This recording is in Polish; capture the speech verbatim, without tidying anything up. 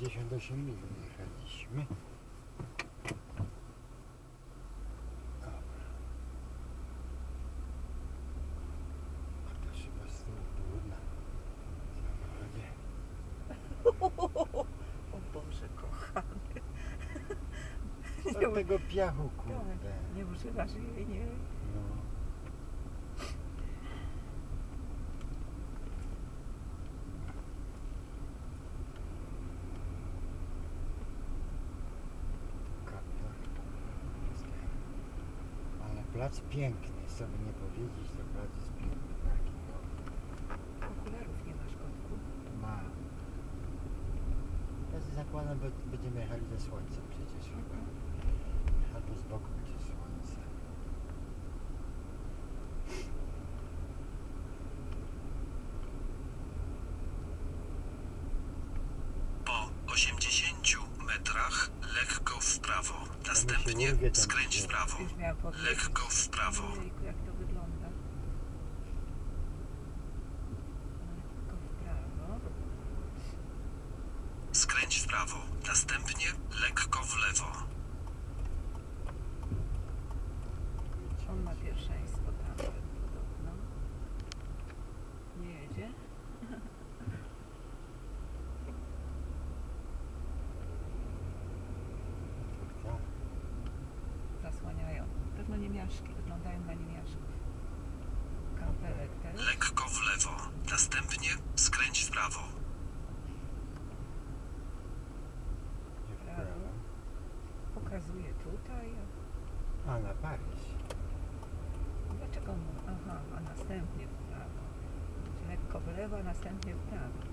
pięćdziesiąt osiem mil jechaliśmy. Dobra. A to chyba z tyłu trudna w samochodzie. O Boże kochany. Od tego piachu, kurde. Nie używasz jej, nie? No. Ale plac piękny, sobie nie powiedzieć, to plac jest piękny taki, no. Okularów nie masz, kotku? Ma. Ja się zakładam, bo będziemy jechali ze słońcem przecież chyba. Albo z boku będzie słońce. Po osiemdziesięciu metrach lekko w prawo. Następnie urwie ten skręć w prawo. Już miałam powiedzieć. Lekko w prawo. Ojejku, jak to wygląda. Lekko w prawo. Skręć w prawo. Następnie lekko w lewo. On ma pierwszeństwo tam podobno. Nie jedzie? Tak. Zasłaniają. Pewno niemiaszki. Wyglądają na niemiaszków. Kamperek też. Lekko w lewo. Następnie skręć w prawo. Nie w prawo. Pokazuje tutaj. A, na Paryż. Dlaczego mu? Aha, a następnie w prawo. Lekko w lewo, a następnie w prawo.